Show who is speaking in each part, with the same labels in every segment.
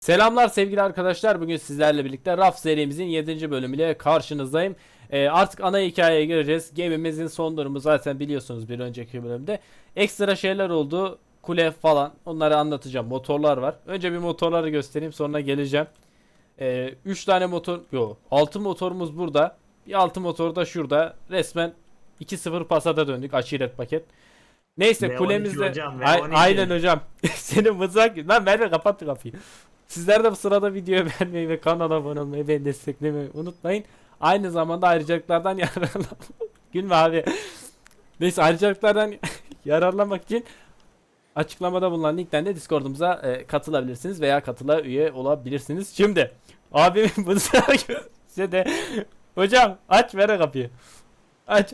Speaker 1: Selamlar sevgili arkadaşlar. Bugün sizlerle birlikte Raf serimizin 7. bölümüyle karşınızdayım. Artık ana hikayeye gireceğiz. Gemimizin son durumu zaten biliyorsunuz bir önceki bölümde. Ekstra şeyler oldu. Kule falan. Onları anlatacağım. Motorlar var. Önce bir motorları göstereyim, sonra geleceğim. 3 tane motor, yok 6 motorumuz burada. Bir 6 motor da şurada. Resmen 2-0 pasada döndük, aşiret paket. Neyse
Speaker 2: V12
Speaker 1: kulemizde
Speaker 2: hocam, V12.
Speaker 1: Aynen hocam. Senin mızrak lan, Merve kapattı kapıyı. Sizler de bu sırada videoyu beğenmeyi ve kanala abone olmayı ve desteklemeyi unutmayın. Aynı zamanda ayrıcalıklardan yararlanmak. Gülme abi. Neyse, ayrıcalıklardan yararlanmak için açıklamada bulunan linkten de Discord'umuza katılabilirsiniz veya katıla üye olabilirsiniz. Şimdi abimin mızrağı size de hocam aç, ver kapıyı. Aç.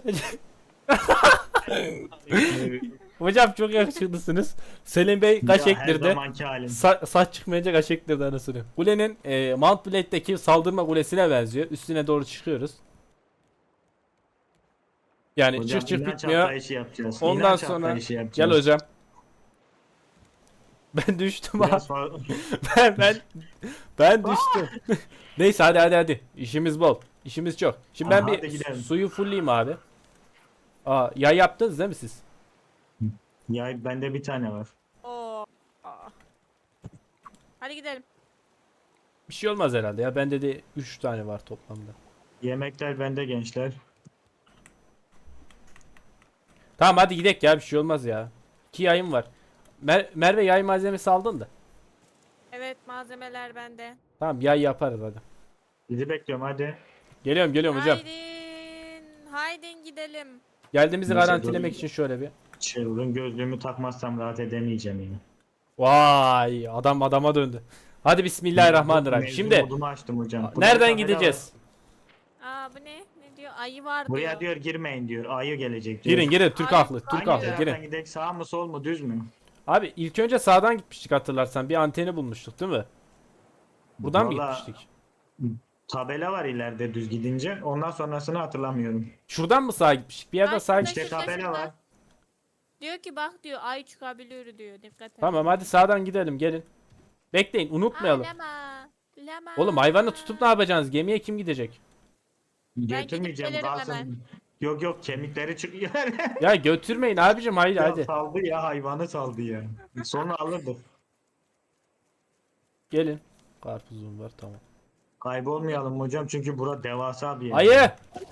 Speaker 1: Hocam çok yakışıklısınız. Selim Bey kaş
Speaker 2: Her
Speaker 1: ektirdi.
Speaker 2: zamanki halim.
Speaker 1: Saç çıkmayınca kaş ektirdi anasını. Kulenin Mount Blade'deki saldırma kulesine benziyor. Üstüne doğru çıkıyoruz. Yani
Speaker 2: Hocam
Speaker 1: çık
Speaker 2: inanç
Speaker 1: bitmiyor.
Speaker 2: atlayışı yapacağız.
Speaker 1: Ondan
Speaker 2: İnanç
Speaker 1: sonra
Speaker 2: atlayışı
Speaker 1: gel
Speaker 2: yapacağız.
Speaker 1: hocam. Ben düştüm abi.
Speaker 2: Biraz fa-
Speaker 1: Ben düştüm. Neyse hadi. İşimiz bol. İşimiz çok. Şimdi ben
Speaker 2: Aha,
Speaker 1: bir
Speaker 2: hadi gidelim.
Speaker 1: suyu fullleyeyim abi. Yay yaptınız değil mi siz?
Speaker 2: Ya bende bir tane var.
Speaker 3: Oo. Aa. Hadi gidelim.
Speaker 1: Bir şey olmaz herhalde ya. Bende de 3 tane var toplamda.
Speaker 2: Yemekler bende gençler.
Speaker 1: Tamam hadi gidelim ya, bir şey olmaz ya. 2 yayım var. Merve yay malzemesi aldın da.
Speaker 3: Evet, malzemeler bende.
Speaker 1: Tamam, yay yaparız hadi.
Speaker 2: Sizi bekliyorum hadi.
Speaker 1: Geliyorum hocam.
Speaker 3: Haydin gidelim.
Speaker 1: Geldiğimizi
Speaker 2: Neyse,
Speaker 1: garantilemek
Speaker 2: dur.
Speaker 1: için şöyle bir.
Speaker 2: Çılgın gözlüğümü takmazsam rahat edemeyeceğim yine.
Speaker 1: Vay, adam adama döndü. Hadi bismillahirrahmanirrahim.
Speaker 2: Mevzu
Speaker 1: Şimdi
Speaker 2: modumu açtım hocam. Burada bir
Speaker 1: nereden
Speaker 2: tabela
Speaker 1: gideceğiz?
Speaker 3: Aa, bu ne? Ne diyor? Ayı var
Speaker 2: Buraya
Speaker 3: diyor.
Speaker 2: diyor girmeyin diyor. Ayı gelecek diyor.
Speaker 1: Girin Türk
Speaker 3: Ay,
Speaker 1: haklı. Türk
Speaker 3: hangi
Speaker 1: haklı,
Speaker 2: Taraftan
Speaker 1: girin.
Speaker 2: gidelim, sağ mı sol mu düz mü?
Speaker 1: Abi ilk önce sağdan gitmiştik, hatırlarsan. Bir anteni bulmuştuk değil mi? Buradan mı
Speaker 2: Vallahi
Speaker 1: gitmiştik?
Speaker 2: tabela var ileride düz gidince. Ondan sonrasını hatırlamıyorum.
Speaker 1: Şuradan mı sağa gitmiştik? Bir yerden
Speaker 3: Ay,
Speaker 1: sağa
Speaker 3: şurada,
Speaker 1: gitmiştik.
Speaker 2: İşte tabela var.
Speaker 3: Diyor ki bak diyor, ay çıkabiliyor diyor. Dikkat et.
Speaker 1: Tamam hadi sağdan gidelim, gelin. Bekleyin, unutmayalım.
Speaker 3: Lama.
Speaker 1: Oğlum hayvanı tutup ne yapacaksınız? Gemiye kim gidecek?
Speaker 2: Götürmeyeceğim
Speaker 3: gelirim
Speaker 2: kalsın.
Speaker 3: hemen.
Speaker 2: Yok kemikleri çıkıyor.
Speaker 1: Ya götürmeyin abicim, haydi
Speaker 2: Ya
Speaker 1: hadi.
Speaker 2: saldı ya, hayvanı saldı ya. Sonra alırdık.
Speaker 1: Gelin. Karpuzum var, tamam.
Speaker 2: Kaybolmayalım hocam çünkü bura devasa bir yer.
Speaker 1: Ayı!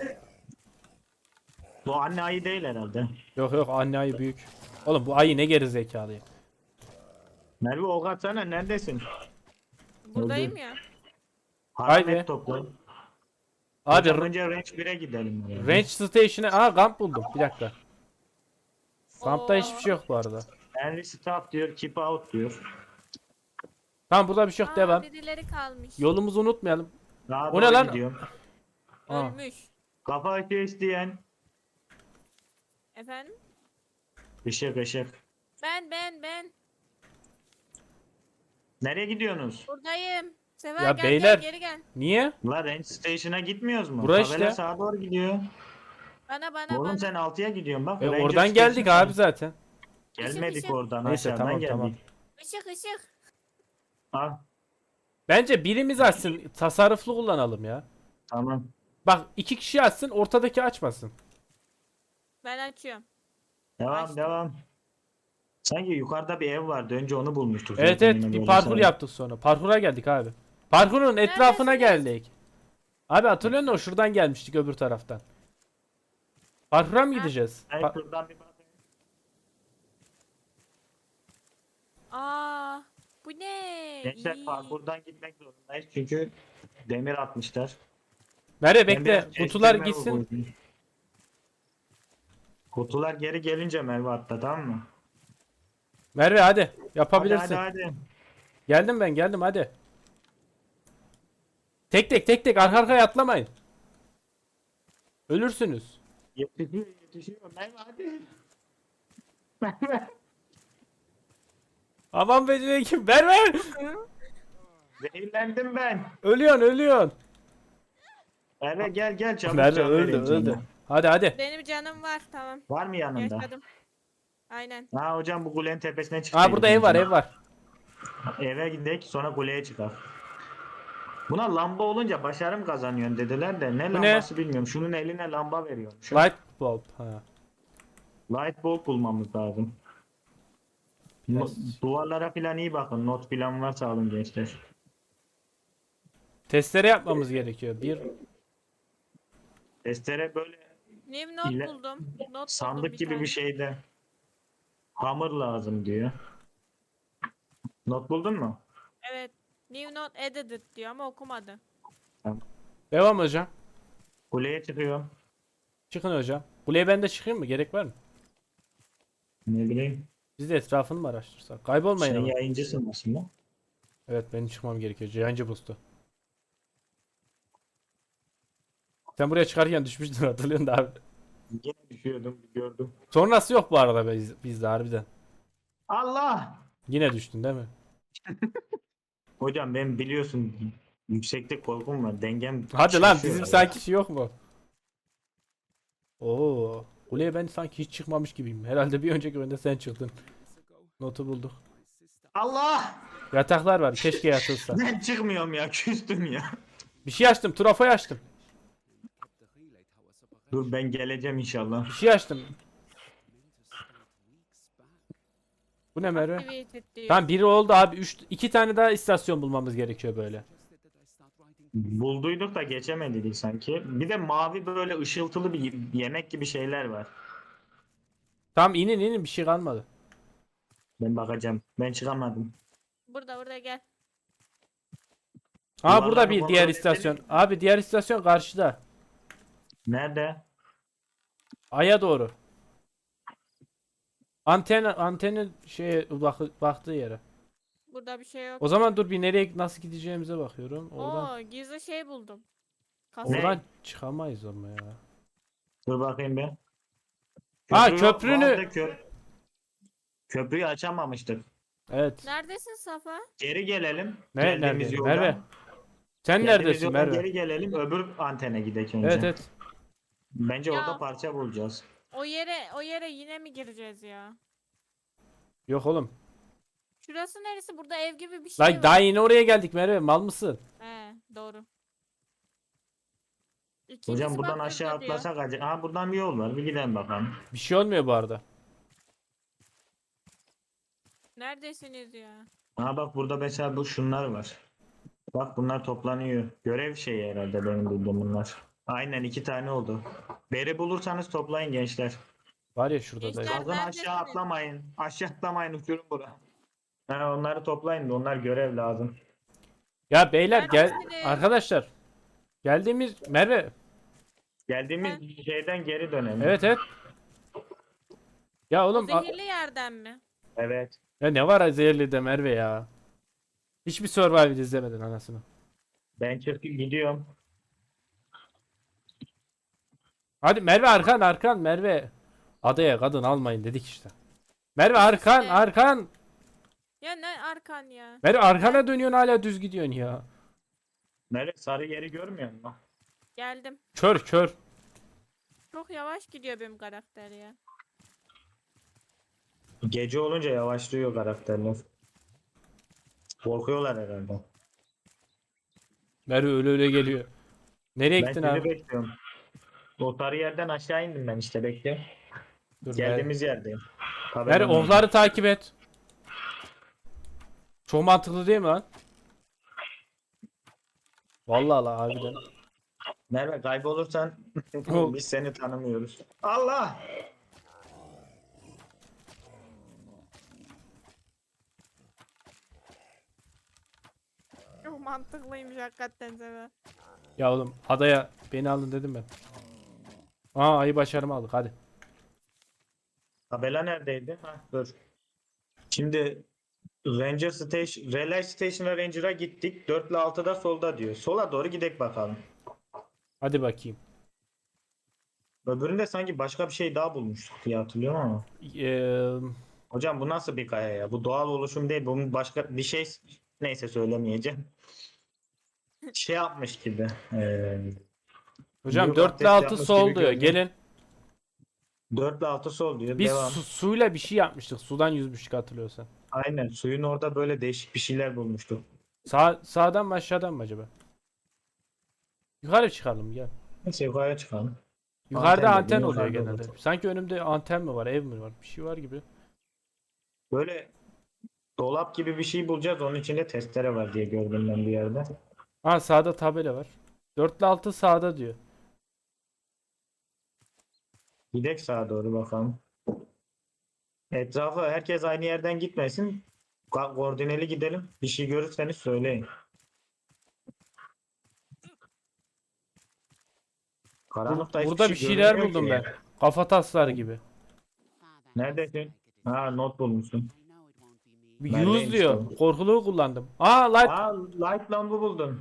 Speaker 2: Bu anne ayı değil herhalde.
Speaker 1: Yok anne ayı büyük. Oğlum bu ayı ne geri zekalı ya.
Speaker 2: Merve ok atsana, neredesin?
Speaker 3: Buradayım ya.
Speaker 1: Haydi.
Speaker 2: Haramet topla.
Speaker 1: Abi
Speaker 2: Hocam önce range 1'e gidelim. Yani.
Speaker 1: range station'a kamp buldum. Bir dakika. Kampta
Speaker 3: Oo.
Speaker 1: hiçbir şey yok bu arada.
Speaker 2: Henry stop diyor, keep out diyor.
Speaker 1: Tamam, burada bir şey yok,
Speaker 3: Aa,
Speaker 1: devam.
Speaker 3: birileri kalmış.
Speaker 1: Yolumuzu unutmayalım.
Speaker 2: Daha
Speaker 1: O ne
Speaker 2: doğru
Speaker 1: lan?
Speaker 2: gidiyorum.
Speaker 1: Aa.
Speaker 3: Ölmüş.
Speaker 2: Kafa açıyor isteyen.
Speaker 3: Efendim?
Speaker 2: Işık.
Speaker 3: Ben.
Speaker 2: Nereye gidiyorsunuz?
Speaker 3: Buradayım. Sever
Speaker 1: Ya
Speaker 3: gel
Speaker 1: beyler.
Speaker 3: gel, geri gel.
Speaker 1: Niye?
Speaker 2: La range station'a gitmiyoruz mu?
Speaker 1: Bura
Speaker 2: Tabela
Speaker 1: işte.
Speaker 2: sağa doğru gidiyor.
Speaker 3: Bana.
Speaker 2: Oğlum sen 6'ya gidiyorsun bak.
Speaker 1: E,
Speaker 2: Ranger
Speaker 1: oradan geldik
Speaker 2: Station
Speaker 1: abi zaten.
Speaker 2: Gelmedik
Speaker 3: Işık.
Speaker 2: oradan,
Speaker 1: Neyse,
Speaker 2: aşağıdan
Speaker 1: tamam,
Speaker 2: geldik.
Speaker 1: tamam.
Speaker 3: Işık.
Speaker 2: Al
Speaker 1: Bence birimiz açsın. Tasarruflu kullanalım ya.
Speaker 2: tamam.
Speaker 1: Bak 2 kişi açsın, ortadaki açmasın.
Speaker 3: Ben açıyorum.
Speaker 2: Devam devam. Sanki yukarıda bir ev vardı. Önce onu bulmuştuk.
Speaker 1: Evet
Speaker 2: zaten
Speaker 1: evet,
Speaker 2: yine
Speaker 1: bir
Speaker 2: böyle
Speaker 1: parkur
Speaker 2: sana.
Speaker 1: yaptık sonra. Parkura geldik abi. Parkurun etrafına
Speaker 3: Neredesiniz?
Speaker 1: geldik. Abi hatırlıyor musun? Şuradan gelmiştik, öbür taraftan. Parkura mı gideceğiz?
Speaker 2: Hey, şuradan bir bak.
Speaker 3: Aa, bu ne?
Speaker 2: Gençler
Speaker 3: İyi.
Speaker 2: parkurdan gitmek zorundayız. Çünkü demir atmışlar.
Speaker 1: Merve
Speaker 2: Ben
Speaker 1: bekle.
Speaker 2: biraz
Speaker 1: Kutular
Speaker 2: kestirme
Speaker 1: gitsin.
Speaker 2: vurguydum. Kutular geri gelince Merve atla, tamam mı?
Speaker 1: Merve hadi. Yapabilirsin.
Speaker 2: Hadi.
Speaker 1: Geldim hadi. Tek arka arkaya atlamayın. Ölürsünüz.
Speaker 2: Yetişiyor. Merve hadi. Merve.
Speaker 1: Aman be kim? Merve!
Speaker 2: Zehirlendim ben.
Speaker 1: Ölüyorsun.
Speaker 2: Merve gel çabuk.
Speaker 1: Merve
Speaker 2: can
Speaker 1: öldü
Speaker 2: vereyim sana.
Speaker 1: Hadi.
Speaker 3: Benim canım var, tamam.
Speaker 2: Var mı yanında?
Speaker 3: Yaşadım. Aynen.
Speaker 2: Ha hocam, bu kulenin tepesine çıkıyor.
Speaker 1: Aa, burada ev var.
Speaker 2: Eve gidelim sonra kuleye çıkar. Buna lamba olunca başarım kazanıyorsun dediler de ne
Speaker 1: Bu ne?
Speaker 2: lambası bilmiyorum. Şunun eline lamba veriyormuş.
Speaker 1: Light bulb. Ha.
Speaker 2: Light bulb bulmamız lazım.
Speaker 1: Yes.
Speaker 2: Duvarlara falan iyi bakın. Not falan varsa alın gençler.
Speaker 1: Testere yapmamız gerekiyor. Bir
Speaker 2: Testere böyle
Speaker 3: New not
Speaker 2: ile-
Speaker 3: buldum. Not buldum
Speaker 2: sandık
Speaker 3: bir
Speaker 2: gibi
Speaker 3: tane.
Speaker 2: bir şeyde. Hamur lazım diyor. Not buldun mu?
Speaker 3: Evet. New not edited diyor ama okumadı.
Speaker 1: devam hocam.
Speaker 2: Kuleye çıkıyor.
Speaker 1: Çıkın hocam. Kuleye ben de çıkayım mı? Gerek var mı?
Speaker 2: Ne bileyim.
Speaker 1: Biz de etrafını mı araştırsak? Kaybolmayın
Speaker 2: Sen
Speaker 1: ama.
Speaker 2: yayıncısın aslında.
Speaker 1: Evet benim çıkmam gerekiyor. Cihancı boost'u. Sen buraya çıkarken düşmüştün hatırlıyorsun da abi.
Speaker 2: Yine düşüyordum gördüm.
Speaker 1: Sonrası yok bu arada bizde harbiden.
Speaker 2: Allah!
Speaker 1: Yine düştün değil mi?
Speaker 2: Hocam ben biliyorsun yükseklik korkum var. Dengem
Speaker 1: Hadi lan
Speaker 2: şaşıyor
Speaker 1: bizim
Speaker 2: ya.
Speaker 1: sanki şey yok mu? Oo, kuleye ben sanki hiç çıkmamış gibiyim. Herhalde bir önceki oyunda sen çıktın. Notu bulduk.
Speaker 2: Allah!
Speaker 1: Yataklar var. Keşke yatılsa.
Speaker 2: Ben çıkmıyorum ya. Küstüm ya.
Speaker 1: Bir şey açtım. Trafoyu açtım.
Speaker 2: Dur ben geleceğim inşallah.
Speaker 1: Bir şey açtım. Bu ne Merve?
Speaker 3: Activated diyor.
Speaker 1: Tamam biri oldu abi. İki tane daha istasyon bulmamız gerekiyor böyle.
Speaker 2: Bulduyduk da geçemedik sanki. Bir de mavi böyle ışıltılı bir yemek gibi şeyler var.
Speaker 1: Tamam inin bir şey kalmadı.
Speaker 2: Ben bakacağım. Ben çıkamadım.
Speaker 3: Burada gel.
Speaker 1: Aa burada
Speaker 2: Duvarları
Speaker 1: bir
Speaker 2: kontrol
Speaker 1: diğer
Speaker 2: edelim.
Speaker 1: istasyon. Abi diğer istasyon karşıda.
Speaker 2: Nerede?
Speaker 1: Aya doğru. Anteni şeye baktığı yere.
Speaker 3: Burada bir şey yok.
Speaker 1: O zaman dur bir nereye nasıl gideceğimize bakıyorum. Oradan
Speaker 3: Oo, gizli şey buldum. Kasa.
Speaker 2: Ne?
Speaker 1: oradan çıkamayız ama ya.
Speaker 2: Dur bakayım ben.
Speaker 1: Ha,
Speaker 2: yok,
Speaker 1: köprünü-
Speaker 2: vardı köprüyü açamamıştık.
Speaker 1: Evet.
Speaker 3: Neredesin Safa?
Speaker 2: Geri gelelim.
Speaker 1: Ne
Speaker 2: Geldiğimiz
Speaker 1: nerede?
Speaker 2: yoldan.
Speaker 1: Merve. Sen
Speaker 2: Geldiğimiz
Speaker 1: neredesin
Speaker 2: yoldan
Speaker 1: Merve?
Speaker 2: geri gelelim. Öbür antene gidelim önce.
Speaker 1: Evet evet.
Speaker 2: Bence
Speaker 3: Ya.
Speaker 2: orada parça bulacağız.
Speaker 3: O yere yine mi gireceğiz ya?
Speaker 1: Yok oğlum.
Speaker 3: Şurası neresi? Burada ev gibi bir şey
Speaker 1: Lan
Speaker 3: var.
Speaker 1: daha yeni oraya geldik Merve. Mal mısın?
Speaker 3: He, doğru. İkincisi
Speaker 2: Hocam buradan
Speaker 3: bak
Speaker 2: aşağı
Speaker 3: burada diyor.
Speaker 2: atlasak acaba. Aa buradan bir yol var. Bir gidelim bakalım.
Speaker 1: Bir şey olmuyor bu arada.
Speaker 3: Neredesiniz ya?
Speaker 2: Aa bak burada mesela şunlar var. Bak bunlar toplanıyor. Görev şeyi herhalde benim bildiğim bunlar. Aynen 2 tane oldu. Beri bulursanız toplayın gençler.
Speaker 1: Var ya şurada da.
Speaker 3: Gençler-
Speaker 2: Sakın aşağı
Speaker 3: neredesiniz?
Speaker 2: atlamayın. Aşağı atlamayın uçurum bura. Ha, onları toplayın da onlar görev lazım.
Speaker 1: Ya beyler gel
Speaker 3: Neredesiniz?
Speaker 1: arkadaşlar. Geldiğimiz Merve.
Speaker 2: Geldiğimiz şeyden geri dönelim.
Speaker 1: Evet evet. Ya
Speaker 3: O
Speaker 1: oğlum
Speaker 3: zehirli yerden mi?
Speaker 2: Evet.
Speaker 1: ya ne var zehirli de Merve ya. Hiçbir Survivor izlemedin anasını.
Speaker 2: Ben çıkıp gidiyorum.
Speaker 1: Hadi Merve arkan Merve. Adaya kadın almayın dedik işte. Merve arkan
Speaker 3: İşte.
Speaker 1: arkan.
Speaker 3: Ya ne arkan ya?
Speaker 1: Merve arkana dönüyorsun hala düz gidiyorsun ya.
Speaker 2: Nerede? Sarı yeri görmüyor musun?
Speaker 3: Geldim.
Speaker 1: Kör.
Speaker 3: Çok yavaş gidiyor benim karakter ya.
Speaker 2: Gece olunca yavaşlıyor karakterler. Korkuyorlar herhalde.
Speaker 1: Merve öyle geliyor. Nereye
Speaker 2: Ben
Speaker 1: gittin
Speaker 2: sizi
Speaker 1: abi?
Speaker 2: bekliyorum. O sarı yerden aşağı indim ben işte bekliyorum.
Speaker 1: Dur Merve.
Speaker 2: Geldiğimiz yerdeyim.
Speaker 1: Merve
Speaker 2: Tabelanın orada.
Speaker 1: onları takip et. Çok mantıklı değil mi lan? Vallahi la harbiden.
Speaker 2: Merve kaybolursan
Speaker 1: Oh.
Speaker 2: biz seni tanımıyoruz. Allah!
Speaker 3: Çok mantıklıymış hakikaten Sefa.
Speaker 1: Ya oğlum adaya beni alın dedim ben. Aa ayı başarımı aldık hadi.
Speaker 2: Tabela neredeydi? Ha, dur. Şimdi Ranger Station, Relay Station'a Ranger'a gittik. 4 ile 6'da solda diyor. Sola doğru gidek bakalım.
Speaker 1: Hadi bakayım.
Speaker 2: Öbüründe sanki başka bir şey daha bulmuştuk diye hatırlıyorum ama.
Speaker 1: Eee,
Speaker 2: Hocam bu nasıl bir kaya ya? Bu doğal oluşum değil. Bunun başka bir şey neyse söylemeyeceğim. Şey yapmış gibi.
Speaker 1: hocam
Speaker 2: Büyük
Speaker 1: 4 ile
Speaker 2: abdest
Speaker 1: 6
Speaker 2: yapmış
Speaker 1: sol
Speaker 2: gibi
Speaker 1: diyor.
Speaker 2: görünüyor.
Speaker 1: Gelin.
Speaker 2: 4 ile 6 sol diyor.
Speaker 1: Biz
Speaker 2: Devam.
Speaker 1: suyla bir şey yapmıştık. Sudan yüzmüştük hatırlıyorsan.
Speaker 2: Aynen suyun orada böyle değişik bir şeyler bulmuştuk.
Speaker 1: Sağdan mı aşağıdan mı acaba? Yukarı çıkalım gel.
Speaker 2: Neyse yukarıya çıkalım.
Speaker 1: Yukarıda
Speaker 2: Anten dedin
Speaker 1: anten oluyor
Speaker 2: yukarıda
Speaker 1: genelde.
Speaker 2: olur.
Speaker 1: Sanki önümde anten mi var, ev mi var? Bir şey var gibi.
Speaker 2: Böyle dolap gibi bir şey bulacağız. Onun içinde testere var diye gördüm ben bir yerde.
Speaker 1: Ha sağda tabela var. 4 ile 6 sağda diyor.
Speaker 2: Gidek sağa doğru bakalım. Etrafı herkes aynı yerden gitmesin. Koordineli gidelim. Bir şey görürseniz söyleyin. Karanlıkta hiçbir
Speaker 1: Burada
Speaker 2: şey
Speaker 1: bir şeyler
Speaker 2: görünmüyor
Speaker 1: buldum
Speaker 2: ki.
Speaker 1: ben. Kafa tasları gibi.
Speaker 2: Neredesin? Ha not bulmuşsun.
Speaker 1: Bir use
Speaker 2: Neredeymiş
Speaker 1: diyor.
Speaker 2: o?
Speaker 1: Korkuluğu kullandım. Aa light.
Speaker 2: Aa light lambı buldun.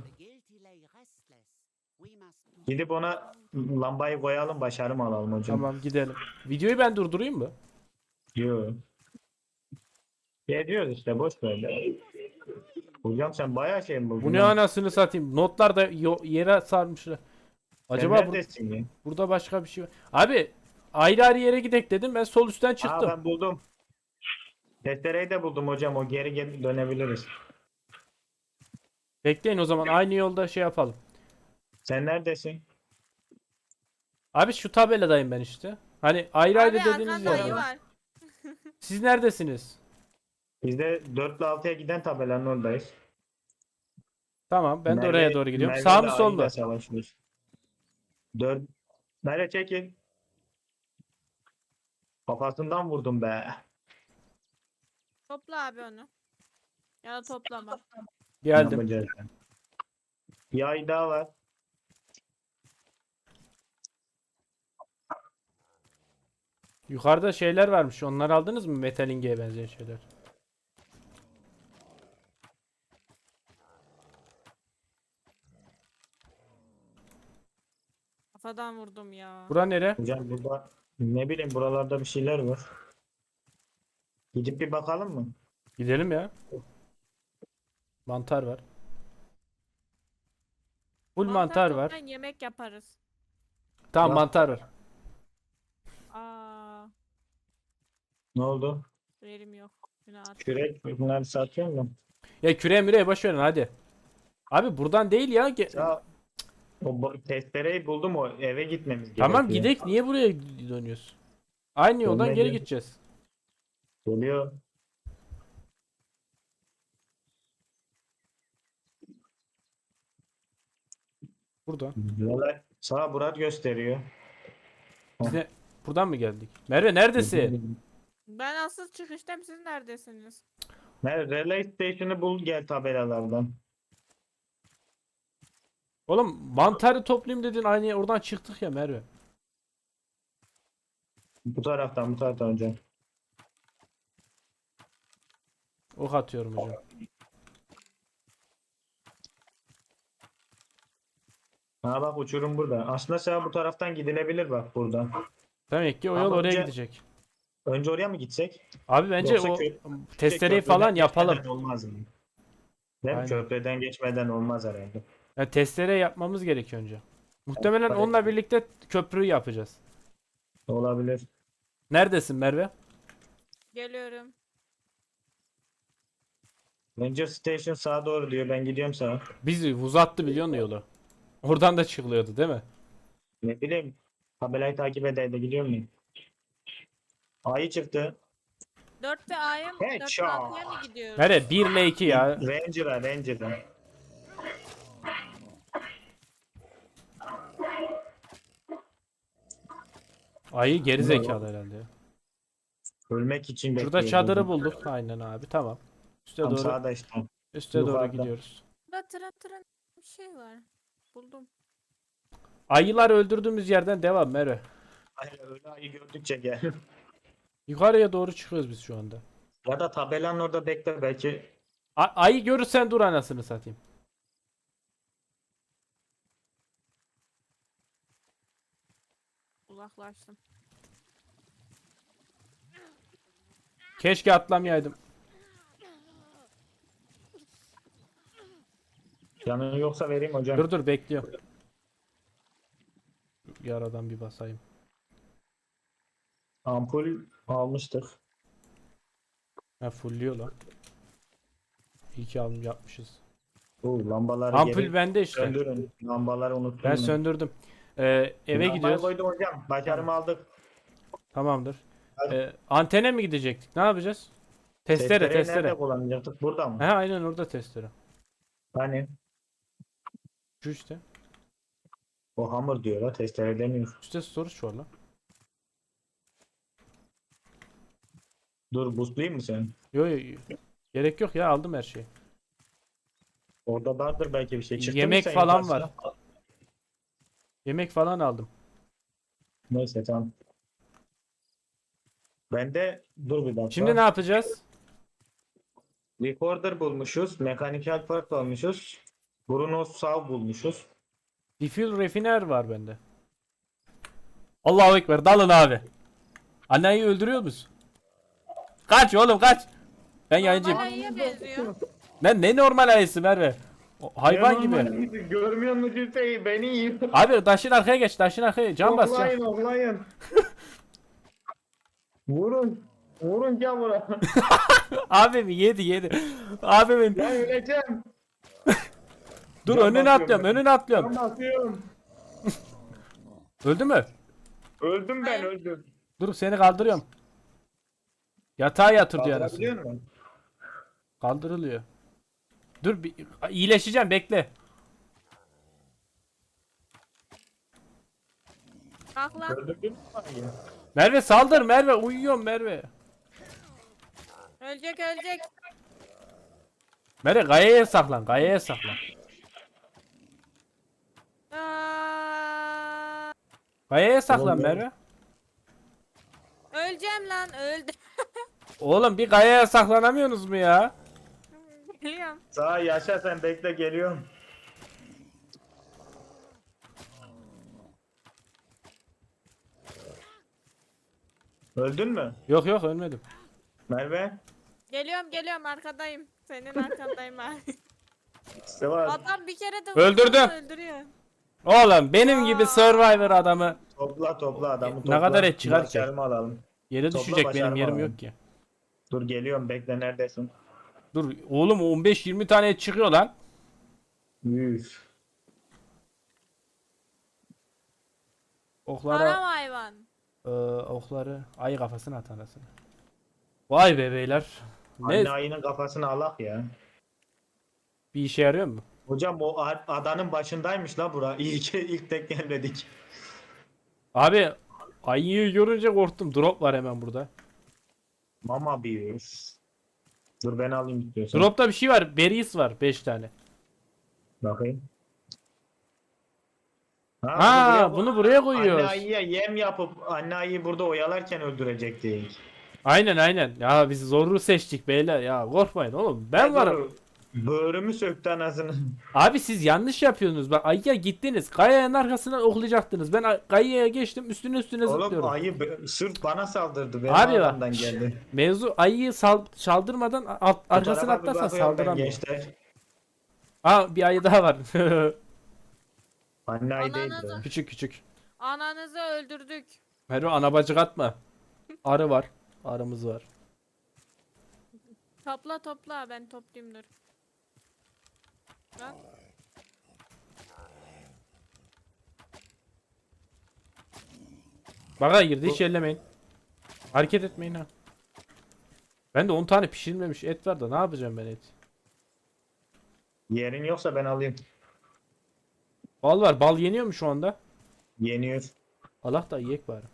Speaker 2: Gidip ona lambayı koyalım başarım alalım hocam.
Speaker 1: Tamam gidelim. Videoyu ben durdurayım mı?
Speaker 2: Diyor. Geliyoruz işte boş ver. Hocam sen bayağı şey mi buldun?
Speaker 1: Bu ne
Speaker 2: lan?
Speaker 1: anasını satayım. Notlar da yere sarmışlar.
Speaker 2: Sen
Speaker 1: Acaba
Speaker 2: neredesin ya?
Speaker 1: burada başka bir şey var. Abi ayrı ayrı yere gidek dedim. Ben sol üstten
Speaker 2: Aa
Speaker 1: çıktım.
Speaker 2: ben buldum. Testereyi de buldum hocam. O geri dönebiliriz.
Speaker 1: Bekleyin o zaman aynı yolda şey yapalım.
Speaker 2: Sen neredesin?
Speaker 1: Abi şu tabeladayım ben işte. Hani ayrı ayrı
Speaker 3: Abi
Speaker 1: dediğiniz
Speaker 3: arkanda
Speaker 1: yer.
Speaker 3: ayı
Speaker 1: var.
Speaker 3: var.
Speaker 1: Siz neredesiniz?
Speaker 2: Biz de 4 ile 6'ya giden tabelanın oradayız.
Speaker 1: Tamam ben de oraya doğru gidiyorum.
Speaker 2: Merve
Speaker 1: Sağ
Speaker 2: ile
Speaker 1: mı sol
Speaker 2: ayıyla
Speaker 1: mu?
Speaker 2: savaşıyoruz. 4. Nereye çekil? Kafasından vurdum be.
Speaker 3: Topla abi onu. Ya da toplama.
Speaker 2: Ne
Speaker 1: Geldim.
Speaker 2: yapacağız? Bir ay daha var.
Speaker 1: Yukarıda şeyler varmış. Onları aldınız mı? Metalinge'ye benzeyen şeyler.
Speaker 3: Kafadan vurdum ya.
Speaker 1: Bura nere?
Speaker 2: Hocam burada ne bileyim buralarda bir şeyler var. Gidip bir bakalım mı?
Speaker 1: Gidelim ya. Mantar var. Full mantar var.
Speaker 3: toplayın, yemek yaparız.
Speaker 1: Tamam
Speaker 2: Bak.
Speaker 1: mantar var.
Speaker 3: Aa,
Speaker 2: Ne oldu?
Speaker 3: verim yok. Günah at.
Speaker 2: Kürek bunları satıyor mu?
Speaker 1: Ya küreğe müreye boş verin hadi. Abi buradan değil ya.
Speaker 2: Ya o testereyi buldum o eve gitmemiz
Speaker 1: Tamam
Speaker 2: gerekiyor.
Speaker 1: gidek. Niye buraya dönüyoruz? Aynı yoldan geri
Speaker 2: Dönmedi.
Speaker 1: gideceğiz.
Speaker 2: Geliyor.
Speaker 1: Burada.
Speaker 2: Valla sağa Murat gösteriyor.
Speaker 1: Biz ne? Buradan mı geldik? Merve neredesin?
Speaker 3: Ben asıl çıkıştayım. Siz neredesiniz?
Speaker 2: Relay Station'ı bul gel tabelalardan.
Speaker 1: Oğlum mantarı toplayayım dedin aynı oradan çıktık ya Merve.
Speaker 2: Bu taraftan hocam.
Speaker 1: Ok atıyorum hocam.
Speaker 2: Ha bak uçurum burada. Aslında sen bu taraftan gidilebilir bak buradan.
Speaker 1: Demek ki o
Speaker 2: Ama
Speaker 1: yol oraya
Speaker 2: önce-
Speaker 1: gidecek.
Speaker 2: Önce oraya mı gitsek?
Speaker 1: Abi bence
Speaker 2: Yoksa
Speaker 1: o
Speaker 2: köprüden
Speaker 1: testereyi falan yapalım.
Speaker 2: geçmeden olmaz mı? Değil mi?
Speaker 1: Aynen.
Speaker 2: Köprüden geçmeden olmaz herhalde.
Speaker 1: Yani testere yapmamız gerekiyor önce. Muhtemelen
Speaker 2: Evet.
Speaker 1: onunla birlikte köprüyü yapacağız.
Speaker 2: Olabilir.
Speaker 1: Neredesin Merve?
Speaker 3: Geliyorum.
Speaker 2: Ranger Station sağa doğru diyor. Ben gidiyorum sağa.
Speaker 1: Bizi uzattı biliyor musun yolu? Oradan da çıkılıyordu değil mi?
Speaker 2: Ne bileyim. Tabelayı takip eder de gidiyor muyum? Ayı çıktı.
Speaker 3: 4 ve A'ya mı? 4 ve
Speaker 2: Headshot.
Speaker 3: 6'ya mı gidiyoruz?
Speaker 1: Merve 1 ile 2 ya.
Speaker 2: Ranger'a.
Speaker 1: Ayı geri zekalı herhalde. ya.
Speaker 2: Ölmek için
Speaker 1: Şurada
Speaker 2: bekliyoruz.
Speaker 1: çadırı bulduk. Aynen abi tamam. Üste
Speaker 2: Tam
Speaker 1: doğru
Speaker 2: sağda işte.
Speaker 1: üste doğru
Speaker 2: yukarıda.
Speaker 1: gidiyoruz.
Speaker 3: Burada tren bir şey var. Buldum.
Speaker 1: Ayılar öldürdüğümüz yerden devam Merve.
Speaker 2: Aynen öyle ayı gördükçe gel.
Speaker 1: Yukarıya doğru çıkıyoruz biz şu anda.
Speaker 2: Ya da tabelanın orada bekle belki.
Speaker 1: Ayı görürsen dur anasını satayım.
Speaker 3: Uzaklaştım.
Speaker 1: Keşke atlamayaydım.
Speaker 2: Yanın yoksa vereyim hocam.
Speaker 1: Dur bekliyorum. Yaradan bir basayım.
Speaker 2: Ampul almıştık.
Speaker 1: Ha fullüyor lan. İyi ki alım yapmışız.
Speaker 2: Bu lambaları
Speaker 1: Ampul
Speaker 2: geri
Speaker 1: bende işte.
Speaker 2: söndürün. Lambaları unuttum.
Speaker 1: Ben söndürdüm. Eve
Speaker 2: Lambayı
Speaker 1: gidiyoruz.
Speaker 2: koydum hocam. Başarımı aldık.
Speaker 1: Tamamdır.
Speaker 2: Hadi.
Speaker 1: Antene mi gidecektik? Ne yapacağız? Testere,
Speaker 2: Testereyi
Speaker 1: testere.
Speaker 2: nerede kullanacaktık? Burada mı?
Speaker 1: Ha aynen orada testere.
Speaker 2: Hani
Speaker 1: Şu işte.
Speaker 2: o hamur diyor la, testere demiyor.
Speaker 1: İşte storage var lan.
Speaker 2: Dur boostlayayım mı seni?
Speaker 1: Yo yo yo. Gerek yok ya, aldım her şeyi.
Speaker 2: Orada vardır belki bir şey. Çıktı mı
Speaker 1: Yemek
Speaker 2: sen
Speaker 1: falan
Speaker 2: yukarısına?
Speaker 1: var. Yemek falan aldım.
Speaker 2: Neyse tamam. Ben de dur bir dakika.
Speaker 1: Şimdi ne yapacağız?
Speaker 2: Recorder bulmuşuz. Mechanical part almışız. Bruno Sav bulmuşuz.
Speaker 1: Refill refiner var bende. Allahu Ekber, dalın abi. Anneyi öldürüyor musun? Kaç oğlum kaç. Ben yayıncıyım.
Speaker 3: Bana iyi benziyor.
Speaker 1: Lan ne normal ayısı Merve. Hayvan gibi.
Speaker 2: Görmüyor musun Hüseyin? Beni yiyor.
Speaker 1: Abi taşın arkaya geç, taşın arkaya. Can bas can.
Speaker 2: Oklayın. Vurun. Vurun camura.
Speaker 1: Abim yedi. Abimin.
Speaker 2: Ben öleceğim.
Speaker 1: Dur
Speaker 2: Can
Speaker 1: önüne
Speaker 2: basıyorum
Speaker 1: atlıyorum,
Speaker 2: ben.
Speaker 1: önüne atlıyorum.
Speaker 2: Ben basıyorum.
Speaker 1: Öldü mü?
Speaker 2: Öldüm ben öldüm.
Speaker 1: Dur seni kaldırıyorum. Yatağa yatır diyor anasını.
Speaker 2: Kaldırabiliyor musun?
Speaker 1: Kaldırılıyor. Dur bir iyileşeceğim, bekle.
Speaker 3: Kalk lan.
Speaker 2: Öldürdün mü ayıyı?
Speaker 1: Merve saldır Merve, uyuyorum Merve.
Speaker 3: Ölecek ölecek.
Speaker 1: Merve kayaya saklan, kayaya saklan.
Speaker 3: Aa,
Speaker 1: Kayaya saklan
Speaker 2: Oğlum,
Speaker 1: Merve.
Speaker 3: öleceğim lan öldü.
Speaker 1: Oğlum bir kayaya saklanamıyorsunuz mu ya?
Speaker 3: Biliyorum.
Speaker 2: Sağ yaşa sen bekle geliyorum. Öldün mü?
Speaker 1: Yok yok ölmedim.
Speaker 2: Merve?
Speaker 3: Geliyorum arkadayım. Senin arkandayım abi.
Speaker 2: İşte var.
Speaker 3: Adam bir kere de
Speaker 1: Öldürdüm.
Speaker 3: vursa öldürüyor.
Speaker 1: Oğlum benim gibi Survivor adamı.
Speaker 2: Topla adamı
Speaker 1: Ne
Speaker 2: topla.
Speaker 1: kadar et çıkar ki?
Speaker 2: Başarımı alalım.
Speaker 1: Yere
Speaker 2: Topla,
Speaker 1: düşecek, benim
Speaker 2: başarma
Speaker 1: yerim
Speaker 2: abi.
Speaker 1: yok ki.
Speaker 2: Dur geliyorum bekle neredesin?
Speaker 1: Dur oğlum 15-20 tane et çıkıyor lan.
Speaker 2: Üf.
Speaker 1: Oklara
Speaker 3: Haram hayvan.
Speaker 1: okları ayı kafasına at anasını. Vay be beyler. Ne
Speaker 2: Anne ayının kafasını alak ya.
Speaker 1: bir işe yarıyor mu?
Speaker 2: Hocam o adanın başındaymış la bura. İyi ki ilk tek gelmedik.
Speaker 1: Abi ayıyı görünce korktum. Drop var hemen burada.
Speaker 2: Mama bir. Dur ben alayım istiyorsan.
Speaker 1: Dropta bir şey var. Berries var 5 tane.
Speaker 2: Bakayım.
Speaker 1: Ha, bunu buraya
Speaker 2: Anne
Speaker 1: koyuyoruz.
Speaker 2: ayıya yem yapıp anne ayıyı burada oyalarken öldürecektik.
Speaker 1: Aynen. Ya biz zoru seçtik beyler. Ya korkmayın oğlum. Ben varım.
Speaker 2: Böğrümü söktü anasını.
Speaker 1: Abi siz yanlış yapıyorsunuz. Bak ayıya gittiniz. Kayanın arkasından oklayacaktınız. Ben kayaya geçtim. Üstüne
Speaker 2: Oğlum
Speaker 1: zıplıyorum.
Speaker 2: ayı sırf bana saldırdı. Benim
Speaker 1: Abi bak.
Speaker 2: adamdan geldi.
Speaker 1: Mevzu ayıyı saldırmadan
Speaker 2: Bu
Speaker 1: arkasına
Speaker 2: tarafa bir
Speaker 1: atlarsan
Speaker 2: bakıyorum ben
Speaker 1: saldıramıyor.
Speaker 2: gençler.
Speaker 1: Aa bir ayı daha var.
Speaker 2: Anne ayı değil.
Speaker 3: Ananı-
Speaker 2: bu.
Speaker 1: küçük.
Speaker 3: Ananızı öldürdük.
Speaker 1: Merve ana bacık atma. Arı var. Arımız var.
Speaker 3: Topla ben toplayayım dur. Bak.
Speaker 1: Baka girdi hiç ellemeyin. Hareket etmeyin ha. Ben de 10 tane pişirilmemiş et var da ne yapacağım ben et?
Speaker 2: Yerin yoksa ben alayım.
Speaker 1: Bal var. Bal yeniyor mu şu anda?
Speaker 2: Yeniyor.
Speaker 1: Allah da yiyek bari.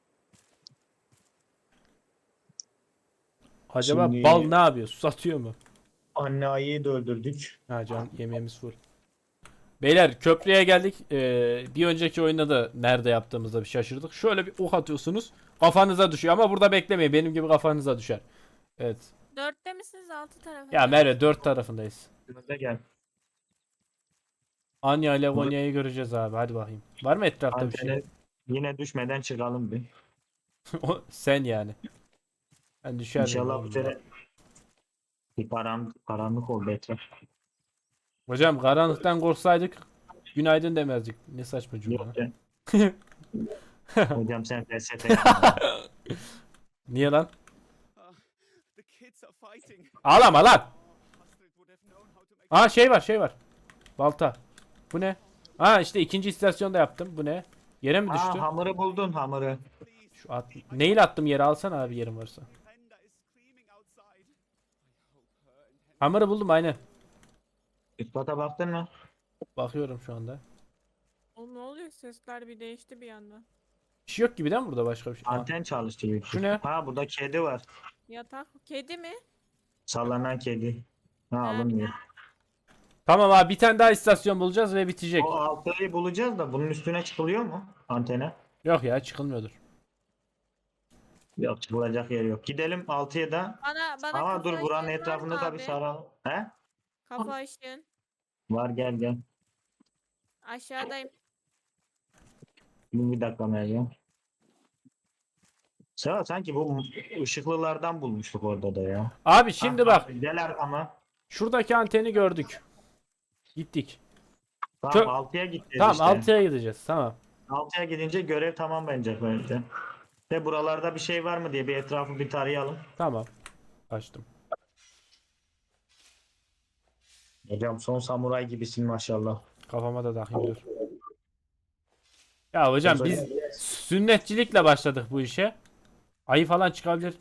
Speaker 1: Acaba
Speaker 2: Şimdi-
Speaker 1: bal ne yapıyor? Susatıyor mu?
Speaker 2: Anne ayıyı da öldürdük.
Speaker 1: Ha can yemeğimiz full. Beyler köprüye geldik. Bir önceki oyunda da nerede yaptığımızda bir şaşırdık. Şöyle bir ok atıyorsunuz. Kafanıza düşüyor ama burada beklemeyin. Benim gibi kafanıza düşer. Evet.
Speaker 3: 4'te misiniz 6 tarafı?
Speaker 1: Ya Merve 4 tarafındayız.
Speaker 2: Önde gel.
Speaker 1: Anya ile Gonya'yı göreceğiz abi. Hadi bakayım. Var mı etrafta bir şey?
Speaker 2: Antene yine düşmeden çıkalım bir.
Speaker 1: O sen yani. Ben düşer miyim
Speaker 2: İnşallah
Speaker 1: oğlum
Speaker 2: bu
Speaker 1: ya?
Speaker 2: sene bir karanlık oldu etraf.
Speaker 1: Hocam karanlıktan korksaydık günaydın demezdik. Ne saçma cümle.
Speaker 2: Yok
Speaker 1: lan.
Speaker 2: ya. Hocam sen felsefe yapma.
Speaker 1: Niye lan?
Speaker 4: The kids
Speaker 1: Ağlama lan. Aa şey var. Balta. Bu ne? Aa işte ikinci istasyonda yaptım. Bu ne? Yere mi düştü?
Speaker 2: Hamur'u buldun hamur'u.
Speaker 1: Şu at. Neyle attım yere, alsana abi yerim varsa. Hammer'ı buldum aynen.
Speaker 2: İspata baktın mı?
Speaker 1: Bakıyorum şu anda.
Speaker 3: Oğlum ne oluyor? Sesler bir değişti bir anda.
Speaker 1: Bir şey yok gibi değil mi burada, başka bir şey? Aa,
Speaker 2: Anten çalıştı büyük.
Speaker 1: Şu ne?
Speaker 2: Ha burada kedi var.
Speaker 3: Yatak. Kedi mi?
Speaker 2: Sallanan kedi. Ha
Speaker 3: Ha,
Speaker 2: alınmıyor.
Speaker 1: Tamam abi, bir tane daha istasyon bulacağız ve bitecek.
Speaker 2: O altıyı bulacağız da bunun üstüne çıkılıyor mu antene?
Speaker 1: Yok ya, çıkılmıyordur.
Speaker 2: Yok çıkılacak yer yok. Gidelim 6'ya da.
Speaker 3: Bana
Speaker 2: Ama
Speaker 3: kafa
Speaker 2: dur buranın
Speaker 3: ışığın var
Speaker 2: etrafında
Speaker 3: mı
Speaker 2: da bir
Speaker 3: abi?
Speaker 2: saralım. He?
Speaker 3: Kafa ışığın.
Speaker 2: Var gel.
Speaker 3: Aşağıdayım.
Speaker 2: Bir dakika Meryem. Seva sanki bu ışıklılardan bulmuştuk orada da ya.
Speaker 1: Abi şimdi bak,
Speaker 2: Gel arkama.
Speaker 1: şuradaki anteni gördük. Gittik.
Speaker 2: Tamam
Speaker 1: Çok-
Speaker 2: 6'ya gideceğiz
Speaker 1: Tamam
Speaker 2: işte.
Speaker 1: 6'ya gideceğiz, tamam.
Speaker 2: 6'ya gidince görev tamam bence bence. Ve buralarda bir şey var mı diye bir etrafı bir tarayalım.
Speaker 1: Tamam. Açtım.
Speaker 2: Hocam son samuray gibisin maşallah.
Speaker 1: Kafama da takayım dur. Ya hocam biz
Speaker 2: Hocam,
Speaker 1: sünnetçilikle başladık bu işe. Ayı falan çıkabilir.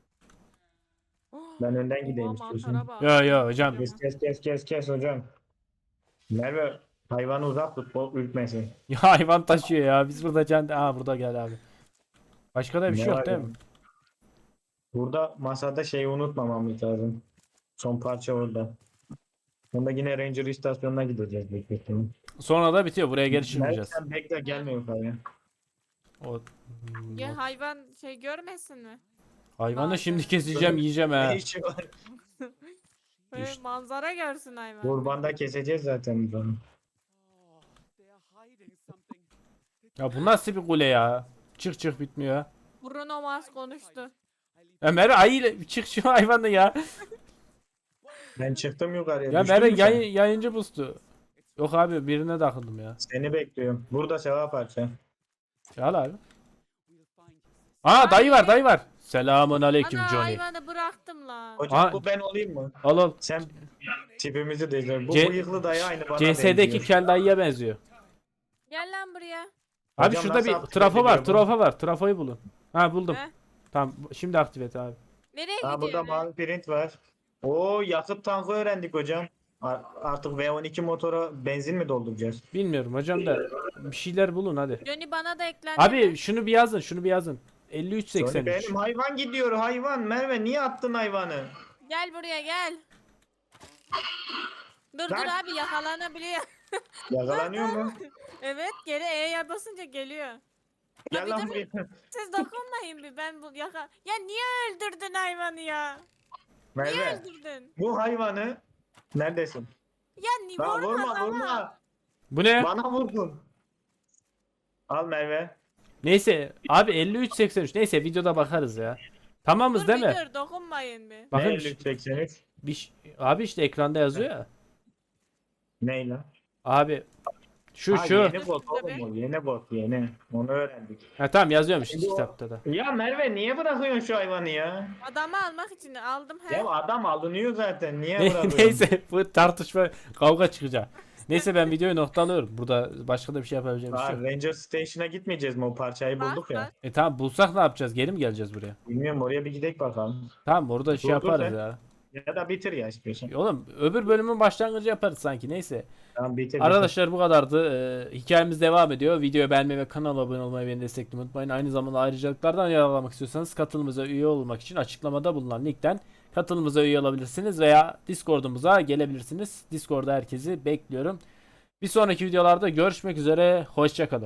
Speaker 2: Ben önden
Speaker 3: Oha,
Speaker 2: gideyim
Speaker 3: mantara
Speaker 2: istiyorsan.
Speaker 3: bak.
Speaker 1: Yo hocam.
Speaker 2: Kes hocam. Merve hayvanı uzak tut bol ürkmesin.
Speaker 1: Ya hayvan taşıyor ya. Biz burada burada gel abi. Başka da bir şey
Speaker 2: Ne
Speaker 1: yok
Speaker 2: var
Speaker 1: değil
Speaker 2: ya?
Speaker 1: mi?
Speaker 2: Burada masada şeyi unutmamamız lazım. Son parça orada. Onda yine Ranger istasyonuna gideceğiz büyük bir ihtimal.
Speaker 1: Sonra da bitiyor. Buraya geri
Speaker 2: Merve
Speaker 1: çıkmayacağız.
Speaker 2: sen bekle gelme yukarıya.
Speaker 1: O
Speaker 3: Ya hayvan şey görmesin mi?
Speaker 1: hayvanı
Speaker 3: Aa,
Speaker 1: şimdi
Speaker 3: evet.
Speaker 1: keseceğim, yiyeceğim ha.
Speaker 2: Ne işi var?
Speaker 3: Böyle manzara görsün hayvan.
Speaker 2: Kurbanda keseceğiz zaten biz onu.
Speaker 1: Ya bu nasıl bir kule ya? Çık bitmiyor.
Speaker 3: Bruno Mars konuştu.
Speaker 1: Ya Merve ayı çık şu hayvanı ya.
Speaker 2: Ben çıktım yukarıya.
Speaker 1: Ya
Speaker 2: düştün
Speaker 1: Merve
Speaker 2: mü sen?
Speaker 1: yayıncı bustu. Yok abi, birine takıldım ya.
Speaker 2: Seni bekliyorum. Burada sevap parça.
Speaker 1: Ya al abi. Aa dayı var. Selamun aleyküm
Speaker 3: Ana
Speaker 1: Johnny.
Speaker 3: hayvanı bıraktım lan.
Speaker 2: Hocam
Speaker 1: Aa.
Speaker 2: bu ben olayım mı?
Speaker 1: Al.
Speaker 2: Sen tipimizi değiştir. Bu
Speaker 1: C-
Speaker 2: bıyıklı dayı aynı bana
Speaker 1: CS'deki
Speaker 2: benziyor.
Speaker 1: kel dayıya benziyor.
Speaker 3: Gel lan buraya.
Speaker 1: Abi
Speaker 2: Hocam
Speaker 1: şurada
Speaker 2: nasıl
Speaker 1: bir
Speaker 2: aktif
Speaker 1: trafo var.
Speaker 2: ediliyor bu?
Speaker 1: Trafo var. Trafoyu bulun. Ha buldum.
Speaker 3: He?
Speaker 1: Tamam şimdi aktive et abi.
Speaker 3: Nereye
Speaker 2: Ha burada
Speaker 3: gidiyorsun?
Speaker 2: mavi print var. Oo yakıt tankı öğrendik hocam. Artık V12 motora benzin mi dolduracağız?
Speaker 1: Bilmiyorum hocam da bir şeyler bulun hadi.
Speaker 3: Johnny bana da eklendi.
Speaker 1: Abi şunu bir yazın.
Speaker 2: Johnny
Speaker 1: 5383.
Speaker 2: benim hayvan gidiyor hayvan. Merve niye attın hayvanı?
Speaker 3: Gel buraya gel. Dur
Speaker 2: Lan.
Speaker 3: abi yakalanabiliyor.
Speaker 2: Yakalanıyor mu?
Speaker 3: Evet geri E'ye basınca geliyor.
Speaker 2: Gel
Speaker 3: Abi
Speaker 2: lan
Speaker 3: dur,
Speaker 2: buraya.
Speaker 3: siz dokunmayın bir ben bu Ya niye öldürdün hayvanı ya? Niye
Speaker 2: Merve
Speaker 3: öldürdün?
Speaker 2: bu hayvanı neredesin?
Speaker 3: Ya niye
Speaker 2: Lan vurma.
Speaker 1: Bu ne?
Speaker 2: Bana vurdun. Al Merve.
Speaker 1: Neyse abi 5383. Neyse videoda bakarız ya. Tamamız
Speaker 3: Dur
Speaker 1: değil
Speaker 3: bir
Speaker 1: mi?
Speaker 3: dur dokunmayın bir.
Speaker 1: Bakın
Speaker 2: Ne 5383?
Speaker 1: abi işte ekranda yazıyor ya.
Speaker 2: Ney lan?
Speaker 1: Abi şu
Speaker 2: Ha,
Speaker 1: şu.
Speaker 2: Yeni bot oğlum o. Yeni bot yeni. Onu öğrendik.
Speaker 1: Ha tamam yazıyormuş
Speaker 2: Şimdi o-
Speaker 1: kitapta da.
Speaker 2: Ya Merve niye bırakıyorsun şu hayvanı ya?
Speaker 3: Adamı almak için aldım he.
Speaker 2: Ya adam alınıyor zaten. Niye bırakıyorsun?
Speaker 1: Neyse bu tartışma kavga çıkacak. Neyse ben videoyu noktalıyorum. Burada başka da bir şey yapabileceğim bir şey
Speaker 2: Ha,
Speaker 1: yok.
Speaker 2: Ranger Station'a gitmeyeceğiz mi? O parçayı
Speaker 3: Bak,
Speaker 2: bulduk ya.
Speaker 3: bak.
Speaker 1: Tamam bulsak ne yapacağız? Geri mi geleceğiz buraya?
Speaker 2: Bilmiyorum oraya bir gidelim bakalım.
Speaker 1: Tamam orada şey
Speaker 2: Dur, dur
Speaker 1: yaparız
Speaker 2: sen.
Speaker 1: ya.
Speaker 2: Ya da bitir ya istiyorsan.
Speaker 1: Oğlum öbür bölümün başlangıcı yaparız sanki. Neyse.
Speaker 2: Tamam bitir.
Speaker 1: Arkadaşlar bu kadardı. Hikayemiz devam ediyor. Videoyu beğenmeyi ve kanala abone olmayı, beni desteklemeyi unutmayın. Aynı zamanda ayrıcalıklardan yararlanmak istiyorsanız katılımıza üye olmak için açıklamada bulunan linkten katılımıza üye olabilirsiniz veya Discord'umuza gelebilirsiniz. Discord'da herkesi bekliyorum. Bir sonraki videolarda görüşmek üzere. Hoşça kalın.